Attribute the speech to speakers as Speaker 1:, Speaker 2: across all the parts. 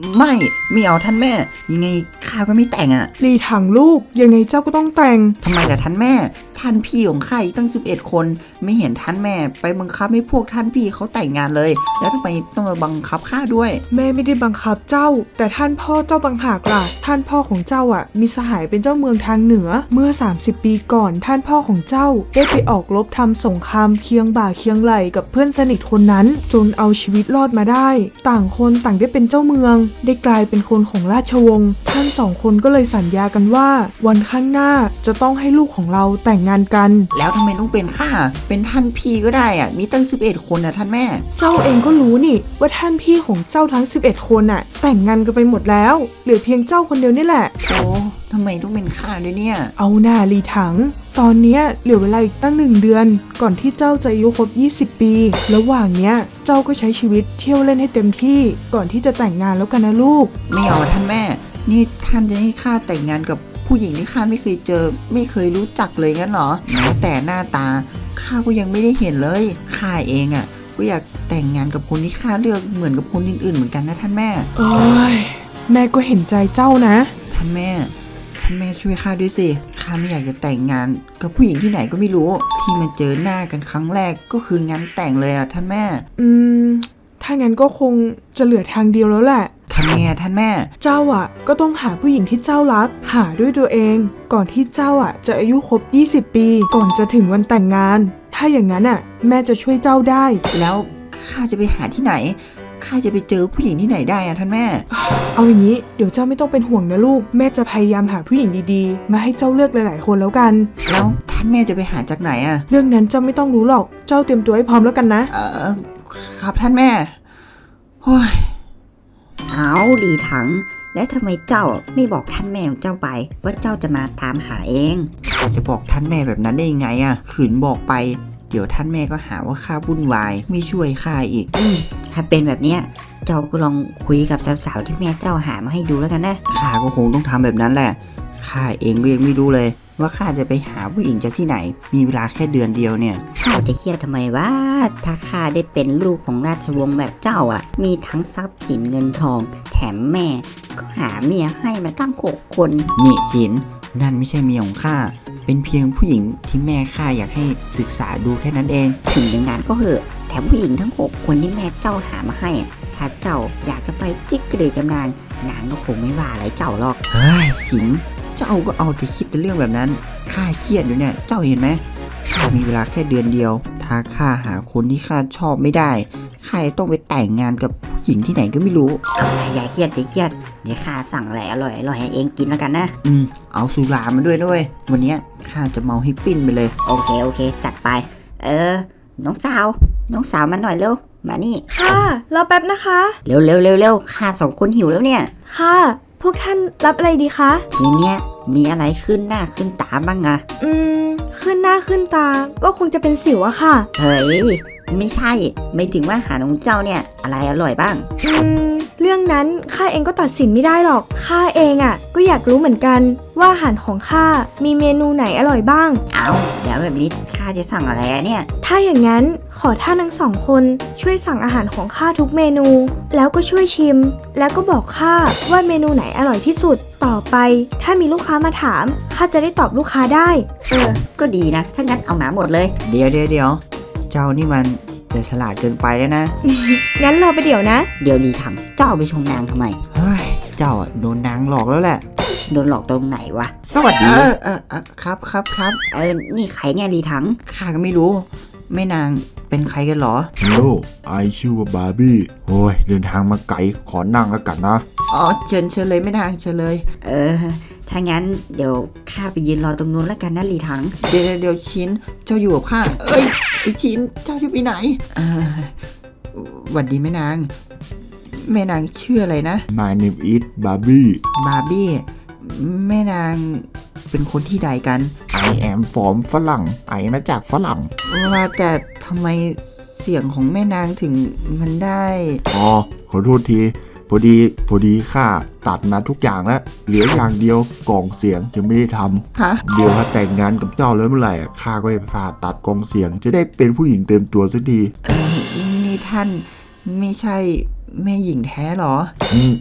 Speaker 1: ไม่เอาท่านแม่ยังไงข้าก็ไม่แต่งอ่ะ
Speaker 2: ลีถังลูกยังไงเจ้าก็ต้องแต่ง
Speaker 1: ทำไมล่ะท่านแม่ท่านพี่ของข้าตั้ง11 คนไม่เห็นท่านแม่ไปบังคับให้พวกท่านพี่เขาแต่งงานเลยแล้วทำไมต้องมาบังคับข้าด้วย
Speaker 2: แม่ไม่ได้บังคับเจ้าแต่ท่านพ่อเจ้าต่างหากล่ะท่านพ่อของเจ้าอ่ะมีสหายเป็นเจ้าเมืองทางเหนือเมื่อ30 ปีก่อนท่านพ่อของเจ้าได้ไปออกรบทำสงครามเคียงบ่าเคียงไหล่กับเพื่อนสนิทคนนั้นจนเอาชีวิตรอดมาได้ต่างคนต่างได้เป็นเจ้าเมืองได้กลายเป็นคนของราชวงศ์ท่าน2 คนก็เลยสัญญากันว่าวันข้างหน้าจะต้องให้ลูกของเราแต่งงานกัน
Speaker 1: แล้วทำไมต้องเป็นข้าเป็นท่านพี่ก็ได้อ่ะมีตั้ง11 คนนะท่านแม่
Speaker 2: เจ้าเองก็รู้นี่ว่าท่านพี่ของเจ้าทั้ง11 คนน่ะแต่งงานกันไปหมดแล้วเหลือเพียงเจ้าคนเดียวนี่แหละ
Speaker 1: โอ้ทำไมต้องเป็นข้าด้วยเนี่ย
Speaker 2: เอาหน้าลีถังตอนเนี้ยเหลือเวลาอีกตั้ง1 เดือนก่อนที่เจ้าจะอายุครบ20 ปีระหว่างเนี้ยเจ้าก็ใช้ชีวิตเที่ยวเล่นให้เต็มที่ก่อนที่จะแต่งงานแล้วกันนะลูก
Speaker 1: ไม่เอาท่านแม่นี่ท่านจะให้ข้าแต่งงานกับผู้หญิงที่ข้าไม่เคยเจอไม่เคยรู้จักเลยงั้นเหรอแม้แต่หน้าตาข้าก็ยังไม่ได้เห็นเลยข้าเองอ่ะก็อยากแต่งงานกับคนที่ข้าเลือกเหมือนกับคนอื่นๆเหมือนกันนะท่านแม่
Speaker 2: โอ้ยแม่ก็เห็นใจเจ้านะ
Speaker 1: ท่านแม่ช่วยข้าด้วยสิข้าไม่อยากจะแต่งงานกับผู้หญิงที่ไหนก็ไม่รู้ที่มาเจอหน้ากันครั้งแรกก็คืองานแต่งเลยอ่ะท่านแม่
Speaker 2: ถ้างั้นก็คงจะเหลือทางเดียวแล้วแหละ
Speaker 1: ท่านแม่
Speaker 2: เจ้าอ่ะก็ต้องหาผู้หญิงที่เจ้ารักหาด้วยตัวเองก่อนที่เจ้าอ่ะจะอายุครบ20 ปีก่อนจะถึงวันแต่งงานถ้าอย่างนั้นอ่ะแม่จะช่วยเจ้าได้
Speaker 1: แล้วข้าจะไปหาที่ไหนข้าจะไปเจอผู้หญิงที่ไหนได้อะท่านแม่
Speaker 2: เอาอย่างนี้เดี๋ยวเจ้าไม่ต้องเป็นห่วงนะลูกแม่จะพยายามหาผู้หญิงดีๆมาให้เจ้าเลือกหลายๆคนแล้วกัน
Speaker 1: แล้วท่านแม่จะไปหาจากไหนอะ
Speaker 2: เรื่องนั้นเจ้าไม่ต้องรู้หรอกเจ้าเตรียมตัวให้พร้อมแล้วกันนะ
Speaker 1: ครับท่านแม่โอ้ย
Speaker 3: เอาหลีถังและทำไมเจ้าไม่บอกท่านแม่ของเจ้าไปว่าเจ้าจะมาตามหาเอง
Speaker 1: ข้าจะบอกท่านแม่แบบนั้นได้ยังไงอะขืนบอกไปเดี๋ยวท่านแม่ก็หาว่าข้าวุ่นวายไม่ช่วยข้าอีก
Speaker 3: ถ้าเป็นแบบเนี้ยเจ้าก็ลองคุยกับสาวๆที่แม่เจ้าหามาให้ดูแล้วกันนะ
Speaker 1: ข้าก็คงต้องทำแบบนั้นแหละข้าเองก็ยังไม่รู้เลยว่าข้าจะไปหาผู้หญิงจากที่ไหนมีเวลาแค่เดือนเดียวเนี่ย
Speaker 3: เจ้าจะเครียดทำไมวะถ้าข้าได้เป็นลูกของราชวงศ์แบบเจ้าอ่ะมีทั้งทรัพย์สินเงินทองแถมแม่ก็หาเมียให้มาตั้ง6 คน
Speaker 1: นี่ฉินนั่นไม่ใช่เมียของข้าเป็นเพียงผู้หญิงที่แม่ข้าอยากให้ศึกษาดูแค่นั้นเอง
Speaker 3: ถึงอย่างนั้นก็เหอะแถมผู้หญิงทั้ง6 คนที่แม่เจ้าหามาให้ถ้าเจ้าอยากจะไปจิ๊กกระเดยจำนานนางก็คงไม่ว่าอะไรเจ้าหรอก
Speaker 1: เฮ้ยฉินเจ้าก็เอาแต่คิดแต่เรื่องแบบนั้นข้าเครียดอยู่เนี่ยเจ้าเห็นไหมข้ามีเวลาแค่เดือนเดียวถ้าข้าหาคนที่ข้าชอบไม่ได้ข้าต้องไปแต่งงานกับผู้หญิงที่ไหนก็ไม่รู้
Speaker 3: อย่าเครียดเดี๋ยวข้าสั่งอะไรอร่อยให้เองกินแล้วกันนะ
Speaker 1: เอาสุรามาด้วยวันนี้ข้าจะเมาให้ปิ้นไปเลย
Speaker 3: โอเคจัดไปน้องสาวมาหน่อยเร็วมานี่
Speaker 4: ค่ะรอแป๊บนะคะ
Speaker 3: เร็วข้า2 คนหิวแล้วเนี่ย
Speaker 4: ค่ะพวกท่านรับอะไรดีคะ
Speaker 3: ทีเนี้ยมีอะไรขึ้นหน้าขึ้นตาบ้างอะ
Speaker 4: ขึ้นหน้าขึ้นตาก็คงจะเป็นสิวอะค่ะ
Speaker 3: เฮ้ยไม่ใช่ไม่ถึงว่าอาหารของเจ้าเนี่ยอะไรอร่อยบ้าง
Speaker 4: เรื่องนั้นข้าเองก็ตัดสินไม่ได้หรอกข้าเองอะก็อยากรู้เหมือนกันว่าอาหารของข้ามีเมนูไหนอร่อยบ้าง
Speaker 3: เอาเดี๋ยวแบบนี้ข้าจะสั่งอะไรเนี่ย
Speaker 4: ถ้าอย่างนั้นขอท่านทั้ง2 คนช่วยสั่งอาหารของข้าทุกเมนูแล้วก็ช่วยชิมแล้วก็บอกข้าว่าเมนูไหนอร่อยที่สุดต่อไปถ้ามีลูกค้ามาถามข้าจะได้ตอบลูกค้าได้
Speaker 3: ก็ดีนะถ้างั้นเอาหมาหมดเลย
Speaker 1: เดี๋ยวเจ้านี่มันจะฉลาดเกินไปแล้วนะ
Speaker 4: งั้นรอไปเดี๋ยวนะ
Speaker 3: เดี๋ยวดีทำเจ้าไปชมนางทำไม
Speaker 1: เฮ้ยเจ้าโดนนางหลอกแล้วแหละ
Speaker 3: โดนหลอกตรงไหนวะ
Speaker 1: สวัสดีครับ
Speaker 3: นี่ใครเนี่ยลีถัง
Speaker 1: ข้าก็ไม่รู้แม่นางเป็นใครกันหรอ
Speaker 5: ฮัลโหลไอชื่อว่าบาร์บี้โอ้ยเดินทางมาไกลขอนั่งแล้วกันนะ
Speaker 1: อ๋อเชิญเลยแม่นางเชิญเลย
Speaker 3: ถ้างั้นเดี๋ยวข้าไปยืนรอตรงนู้นแล้วกันนะลีถัง
Speaker 1: เดี๋ยวชิ้นเจ้าอยู่กับข้าไอชิ้นเจ้าจะไปไหนหวัดดีแม่นางชื่ออะไรนะ
Speaker 5: My name is Barbie
Speaker 1: แม่นางเป็นคนที่ใดกัน
Speaker 5: I am from ฝรั่งไอมาจากฝรั่ง
Speaker 1: ว่าแต่ทำไมเสียงของแม่นางถึงมันได้
Speaker 5: ขอโทษทีพอดีข้าตัดมาทุกอย่างแล้วเหลืออย่างเดียวกล่องเสียงยังไม่ได้ทำเดี๋ยวถ้าแต่งงานกับเจ้าแล้วเมื่อไหร่ข้าก็จะผ่าตัดกล่องเสียงจะได้เป็นผู้หญิงเต็มตัวสักที
Speaker 1: นี่ท่านไม่ใช่แม่หญิงแท้หรอ
Speaker 5: ข้า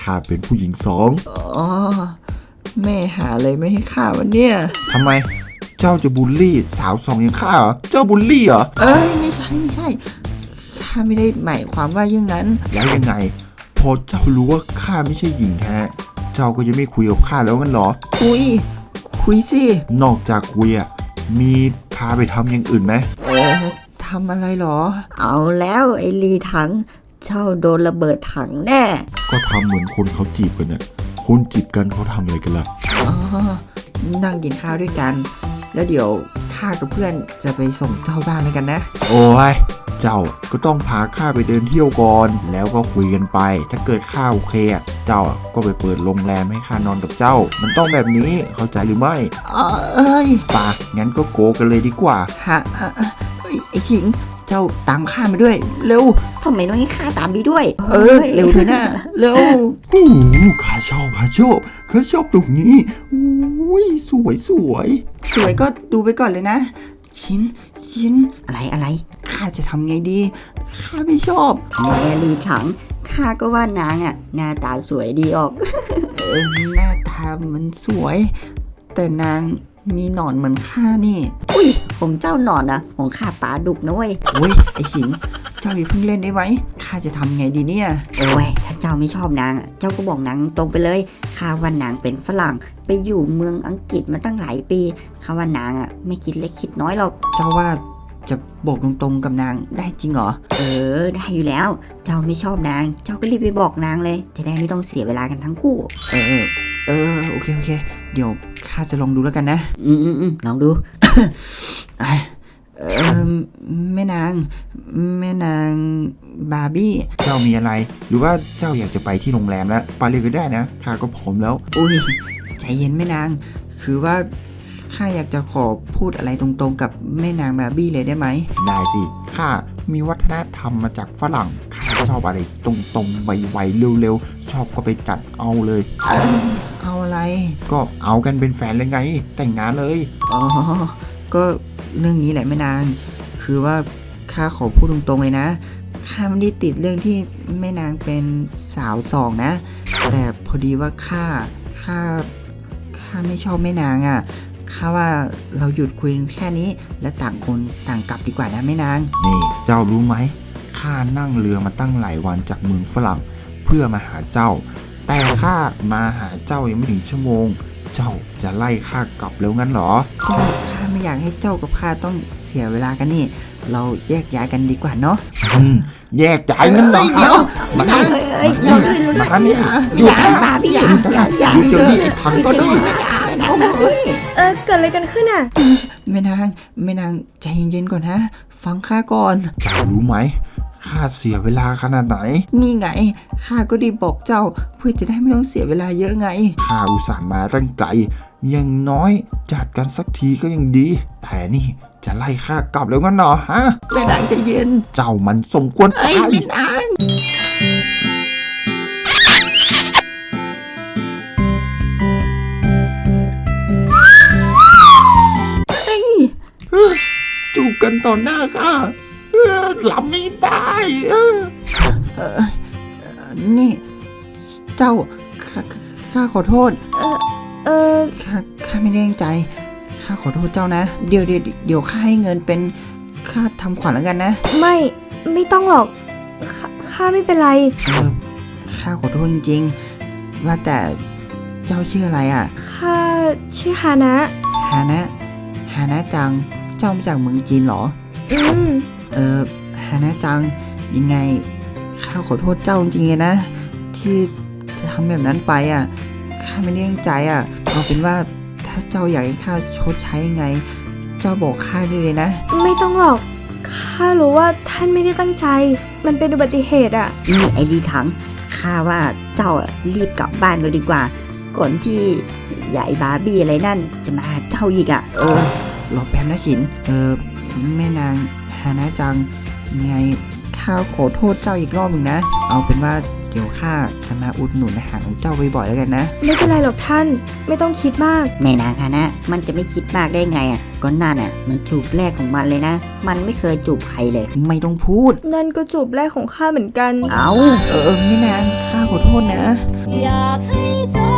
Speaker 5: ข้าเป็นผู้หญิงสอง
Speaker 1: อ๋อแม่หาอะไรไม่ให้ข้าวันเนี่ย
Speaker 5: ทำไมเจ้าจะบูลลี่สาวสองอย่างข้าเหรอเจ้าบูลลี่เหรอ
Speaker 1: เอ้ยไม่ใช่ข้าไม่ได้หมายความว่าอย่างนั้น
Speaker 5: แล้วยังไง พอเจ้ารู้ว่าข้าไม่ใช่หญิงแท้เจ้าก็จะไม่คุยกับข้าแล้วงั้นเหรอ
Speaker 1: คุยสิ
Speaker 5: นอกจากคุยอ่ะมีพาไปทำอย่างอื่นไหม
Speaker 1: ทำอะไรหรอ
Speaker 3: เอาแล้วไอ้ลีถัง เจ้าโดนระเบิดถังแน่
Speaker 5: ก็ทำเหมือนคนเขาจีบกันน่ะคนจีบกันเขาทำอะไรกันล่ะ
Speaker 1: อ๋อ นั่งกินข้าวด้วยกัน แล้วเดี๋ยวข้ากับเพื่อนจะไปส่งเจ้าบ้านด้วยกันนะ
Speaker 5: โอ้ยเจ้าก็ต้องพาข้าไปเดินเที่ยวก่อนแล้วก็คุยกันไป ถ้าเกิดข้าโอเคอ่ะเจ้าก็ไปเปิดโรงแรมให้ข้านอนกับเจ้า มันต้องแบบนี้เข้าใจหรือไม่
Speaker 1: เอ้ย
Speaker 5: ป่ะงั้นก็โกกันเลยดีกว่า
Speaker 1: ฮะไอ้ชิง เจ้าตามข้ามาด้วย เร็ว
Speaker 3: ทำไมต้องให้ข้าตามไปด้วย
Speaker 1: เร็วเถอะนะเร็ว
Speaker 5: โอ้โหข้าชอบตรงนี้อุ้ยสวย
Speaker 1: สวยก็ดูไปก่อนเลยนะ ชิน
Speaker 3: อะไร
Speaker 1: ข้าจะทำไงดี ข้าไม่ชอบ
Speaker 3: ทำไมอะลีถัง ข้าก็ว่านางอ่ะ หน้าตาสวยดีออก
Speaker 1: หน้าตามันสวย แต่นางมีหนอนเหมือนข้านี่
Speaker 3: อุ้ยผมเจ้าหนอนอะของข้าปลาดุกนะเว้ย
Speaker 1: โอ้ยไอ้หิง เจ้าอย่าเพิ่งเล่นได้ไหม ข้าจะทำไงดีเนี่ย
Speaker 3: โอ้ย ถ้าเจ้าไม่ชอบนางอะเจ้าก็บอกนางตรงไปเลย ข้าว่านางเป็นฝรั่ง ไปอยู่เมืองอังกฤษมาตั้งหลายปี ข้าว่านางอะไม่คิดเล็กคิดน้อยหรอก
Speaker 1: เจ้าว่าจะบอกตรงๆกับนางได้จริงเหรอ
Speaker 3: ได้อยู่แล้ว เจ้าไม่ชอบนาง เจ้าก็รีบไปบอกนางเลย จะได้ไม่ต้องเสียเวลากันทั้งคู่
Speaker 1: โอเค เดี๋ยวข้าจะลองดูแล้วกันนะ
Speaker 3: ลองดู
Speaker 1: แม่นางบาร์บี้
Speaker 5: เจ้ามีอะไร หรือว่าเจ้าอยากจะไปที่โรงแรมแล้วไปเลยก็ได้นะข้าก็พร้อมแล้ว
Speaker 1: อุ้ยใจเย็นแม่นาง คือว่าข้าอยากจะขอพูดอะไรตรงๆกับแม่นางบาร์บี้เลยได้ไหม
Speaker 5: ได้สิข้ามีวัฒนธรรมมาจากฝรั่งข้าชอบอะไรตรงๆไวๆเร็วๆชอบก็ไปจัดเอาเลย
Speaker 1: เอาอะไร
Speaker 5: ก็เอากันเป็นแฟนเลยไง แต่งงานเลย
Speaker 1: อ๋อ ก็เรื่องนี้แหละแม่นาง คือว่าข้าขอพูดตรงๆเลยนะ ข้าไม่ได้ติดเรื่องที่แม่นางเป็นสาวสองนะ แต่พอดีว่าข้าไม่ชอบแม่นางอ่ะ ข้าว่าเราหยุดคุยกันแค่นี้ และต่างคนต่างกลับดีกว่านะแม่นาง
Speaker 5: นี่เจ้ารู้ไหมข้านั่งเรือมาตั้งหลายวันจากเมืองฝรั่งเพื่อมาหาเจ้า แต่ข้ามาหาเจ้ายังไม่ถึงชั่วโมง เจ้าจะไล่ข้ากลับแล้วงั้นเหรอ
Speaker 1: ก็ข้าไม่อยากให้เจ้ากับข้าต้องเสียเวลากันนี่ เราแยกย้ายกันดีกว่าเนาะ
Speaker 5: แยกจ่ายงั้นเหรอ
Speaker 1: เดี๋ยว
Speaker 5: มา
Speaker 3: เราด้วย
Speaker 5: มานี่หยุดนะหยุดเดี๋ยวนี้ไอ้พังก็ได้
Speaker 4: เกิดอะไรกันขึ้นอ่ะ
Speaker 1: แม่นางใจเย็นๆก่อนนะ ฟังข้าก่อน
Speaker 5: เจ้ารู้ไหมข้าเสียเวลาขนาดไหน
Speaker 1: นี่ไง ข้าก็ได้บอกเจ้าเพื่อจะได้ไม่ต้องเสียเวลาเยอะไง
Speaker 5: ข้าอุตส่าห์มาตั้งไกลอย่างน้อยจัดกันสักทีก็ยังดี แต่นี่จะไล่ข้ากลับแล้วงั้นเหรอฮะ
Speaker 1: แม่นางใจเย็น
Speaker 5: เจ้ามันสมควรตาย
Speaker 1: แม่นาง
Speaker 5: จูบกันต่อหน้าข้าหลับไม่ได้
Speaker 1: นี่เจ้าข้าขอโทษ ข้าไม่ได้ตั้งใจ ข้าขอโทษเจ้านะ เดี๋ยวข้าให้เงินเป็นค่าทำขวัญแล้วกันนะ
Speaker 4: ไม่ต้องหรอก ข้าไม่เป็นไร
Speaker 1: ข้าขอโทษจริงๆ ว่าแต่เจ้าชื่ออะไรอ่ะ
Speaker 4: ข้าชื่อฮานะ
Speaker 1: ฮานะจัง เจ้ามาจากเมืองจีนเหรอ ฮานะจัง ยังไง ข้าขอโทษเจ้าจริงๆเลยนะ ที่ทำแบบนั้นไปอ่ะ ข้าไม่ได้ตั้งใจอ่ะ เอาเป็นว่าถ้าเจ้าอยากให้ข้าชดใช้ยังไง เจ้าบอกข้าได้เลยนะ
Speaker 4: ไม่ต้องหรอก ข้ารู้ว่าท่านไม่ได้ตั้งใจ มันเป็นอุบัติเหตุอ่ะ
Speaker 3: นี่ไอ้ลีถัง ข้าว่าเจ้าอะรีบกลับบ้านเลยดีกว่า ก่อนที่ยายบาร์บี้อะไรนั่นจะมาหาเจ้าอีกอะ
Speaker 1: รอแป๊บนะฉิน แม่นางฮานะจัง ยังไงข้าขอโทษเจ้าอีกรอบหนึ่งนะ เอาเป็นว่าเดี๋ยวข้าจะมาอุดหนุนอาหารของเจ้าบ่อยๆแล้วกันนะ
Speaker 4: ไม่เป็นไรหรอกท่าน ไม่ต้องคิดมาก
Speaker 3: แม่นางฮานะมันจะไม่คิดมากได้ไงอะก็นั่นอะมันจูบแรกของมันเลยนะ มันไม่เคยจูบใครเลย
Speaker 1: ไม่ต้องพูด
Speaker 4: นั่นก็จูบแรกของข้าเหมือนกัน
Speaker 3: เอา
Speaker 1: แม่นางข้าขอโทษนะ
Speaker 5: โ
Speaker 6: อยากให้เจ้า